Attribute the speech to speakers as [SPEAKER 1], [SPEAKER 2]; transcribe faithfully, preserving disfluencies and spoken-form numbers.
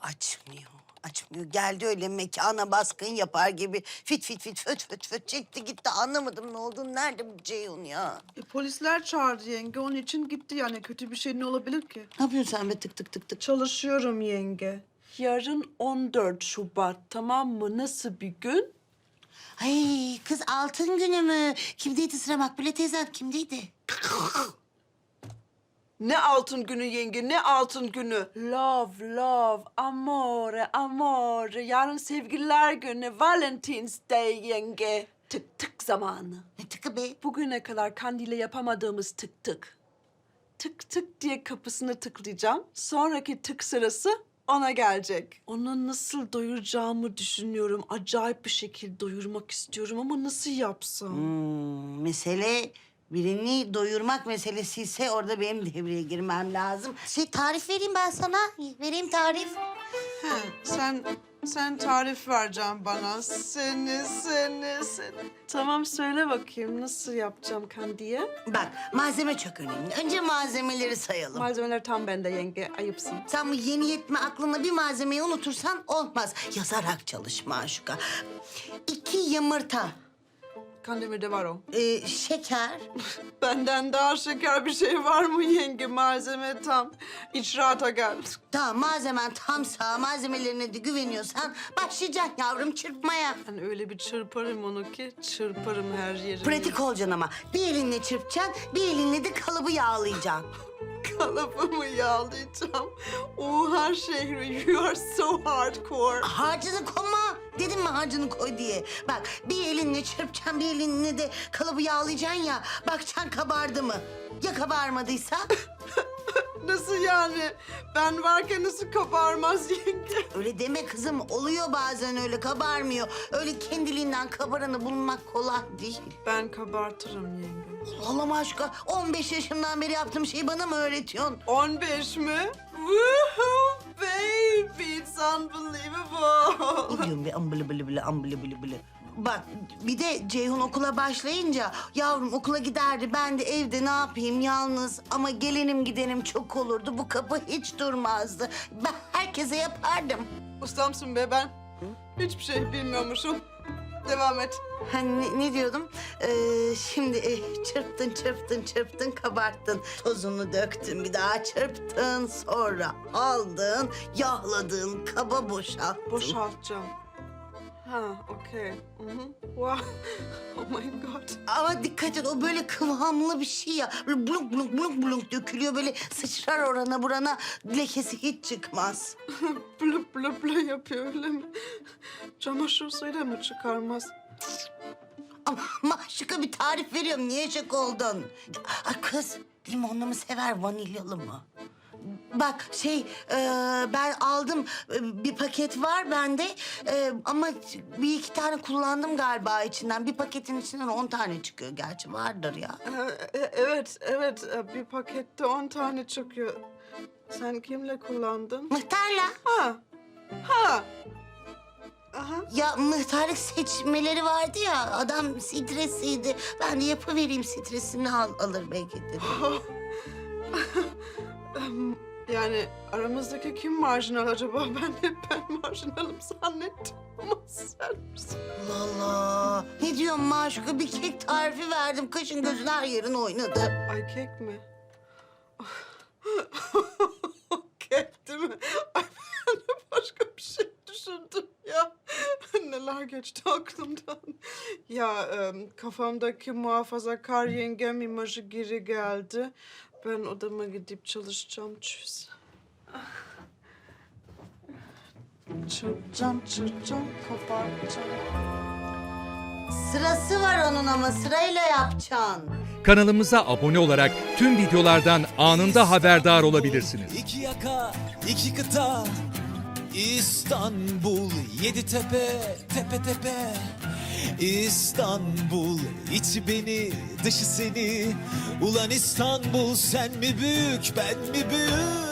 [SPEAKER 1] Açmıyor, açmıyor. Geldi öyle mekana baskın yapar gibi fit fit fit föt föt föt çekti gitti. Anlamadım ne olduğunu. Nerede bu Ceyhun ya?
[SPEAKER 2] E, polisler çağırdı yenge. Onun için gitti yani. Kötü bir şey ne olabilir ki?
[SPEAKER 1] Ne yapıyorsun sen be tık tık tık tık?
[SPEAKER 2] Çalışıyorum yenge. Yarın on dört Şubat, tamam mı? Nasıl bir gün?
[SPEAKER 1] Ay kız altın günü mü? Kimdeydi sıra Makbule teyzem kimdeydi?
[SPEAKER 2] Ne altın günü yenge, ne altın günü? Love, love, amore, amore. Yarın sevgililer günü, Valentine's Day yenge. Tık tık zamanı.
[SPEAKER 1] Ne tıkı be?
[SPEAKER 2] Bugüne kadar Kandil'e yapamadığımız tık tık. Tık tık diye kapısını tıklayacağım. Sonraki tık sırası ona gelecek. Onu nasıl doyuracağımı düşünüyorum. Acayip bir şekilde doyurmak istiyorum ama nasıl yapsam?
[SPEAKER 1] Hmm, mesele birini doyurmak meselesi ise orada benim devreye girmem lazım. Şey tarif vereyim ben sana. Vereyim tarif.
[SPEAKER 2] He, sen sen tarif vereceksin bana. Seni, seni, seni. Tamam söyle bakayım nasıl yapacağım Kandi'ye?
[SPEAKER 1] Bak malzeme çok önemli. Önce malzemeleri sayalım.
[SPEAKER 2] Malzemeler tam bende yenge, ayıpsın.
[SPEAKER 1] Sen bu yeni yetme aklına bir malzemeyi unutursan olmaz. Yazarak çalış Maşuka. İki yumurta,
[SPEAKER 2] Kandemir'de var o.
[SPEAKER 1] ee, şeker,
[SPEAKER 2] Benden daha şeker bir şey var mı yenge? Malzeme tam. İçrata gel.
[SPEAKER 1] tamam malzemen tamsa, malzemelerine de güveniyorsan başlayacaksın yavrum çırpmaya.
[SPEAKER 2] Ben öyle bir çırparım onu ki çırparım her yerini.
[SPEAKER 1] Pratik olacaksın ama. Bir elinle çırpacaksın, bir elinle de kalıbı yağlayacaksın.
[SPEAKER 2] Kalıbımı yağlayacağım. Oha şehri, you are so hardcore.
[SPEAKER 1] Harcını koyma. Dedim mi harcını koy diye. Bak bir elinle çırpacaksın, bir elinle de kalıbı yağlayacaksın ya. Bakacaksın kabardı mı? Ya kabarmadıysa?
[SPEAKER 2] Nasıl yani? Ben varken nasıl kabarmaz yenge?
[SPEAKER 1] Öyle deme kızım. Oluyor bazen öyle kabarmıyor. Öyle kendiliğinden kabaranı bulmak kolay değil.
[SPEAKER 2] Ben kabartırım yenge.
[SPEAKER 1] Allah'ım aşkına on beş yaşımdan beri yaptığım şeyi bana mı öğretiyorsun?
[SPEAKER 2] on beş mi? Woohoo baby, it's unbelievable.
[SPEAKER 1] Ne diyorsun be ambılı bılı bılı ambılı bılı bılı. Bak bir de Ceyhun okula başlayınca yavrum okula giderdi. Ben de evde ne yapayım yalnız ama gelenim gidenim çok olurdu. Bu kapı hiç durmazdı. Ben herkese yapardım.
[SPEAKER 2] Ustamsın be ben. Hiçbir şey bilmiyormuşum. Devam et.
[SPEAKER 1] Ha, ne, ne diyordum? Ee, şimdi e, çırptın çırptın çırptın kabarttın. Tozunu döktün bir daha çırptın. Sonra aldın yağladın kaba boşalttın.
[SPEAKER 2] Boşaltacağım. Ha, okey. Hı hı. Wow. Oh my god.
[SPEAKER 1] Ama dikkat et o böyle kıvamlı bir şey ya. Böyle blunk blunk blunk blunk dökülüyor böyle sıçrar orana burana lekesi hiç çıkmaz.
[SPEAKER 2] Blup blup blup yapıyor öyle mi? Çamaşır suyuyla mı çıkarmaz?
[SPEAKER 1] Ama maşuka bir tarif veriyorum niye şok oldun? Ay kız limonlu mu sever vanilyalı mı? Bak şey e, ben aldım e, bir paket var bende e, ama bir iki tane kullandım galiba içinden. Bir paketin içinden on tane çıkıyor gerçi vardır ya.
[SPEAKER 2] Ee, e- evet, evet. Ee, Bir pakette on tane çıkıyor. Sen kimle kullandın?
[SPEAKER 1] Mıhtarla.
[SPEAKER 2] Ha, ha. Aha.
[SPEAKER 1] Ya mıhtarlık seçmeleri vardı ya adam stresiydi. Ben de yapıvereyim stresini al, alır belki dedim.
[SPEAKER 2] Em, Yani aramızdaki kim marjinal acaba? Ben hep ben marjinalım zannettim ama sen misin?
[SPEAKER 1] Allah Allah. Ne diyorsun Maşuka bir kek tarifi verdim. Kaşın gözün her yerin oynadı.
[SPEAKER 2] Ay kek mi? Kek değil mi? Ay ben de başka bir şey düşündüm ya. Neler geçti aklımdan. Ya em, kafamdaki muhafazakar yengem imajı geri geldi. Ben odama gidip çalışacağım çöz. Çırpacağım, çırpacağım, kabartacağım.
[SPEAKER 1] Sırası var onun ama sırayla yapacaksın.
[SPEAKER 3] Kanalımıza abone olarak tüm videolardan anında haberdar olabilirsiniz.
[SPEAKER 4] İki yaka, iki kıta, İstanbul, yedi tepe, tepe tepe. İstanbul, içi beni, dışı seni. Ulan İstanbul, sen mi büyük, ben mi büyük?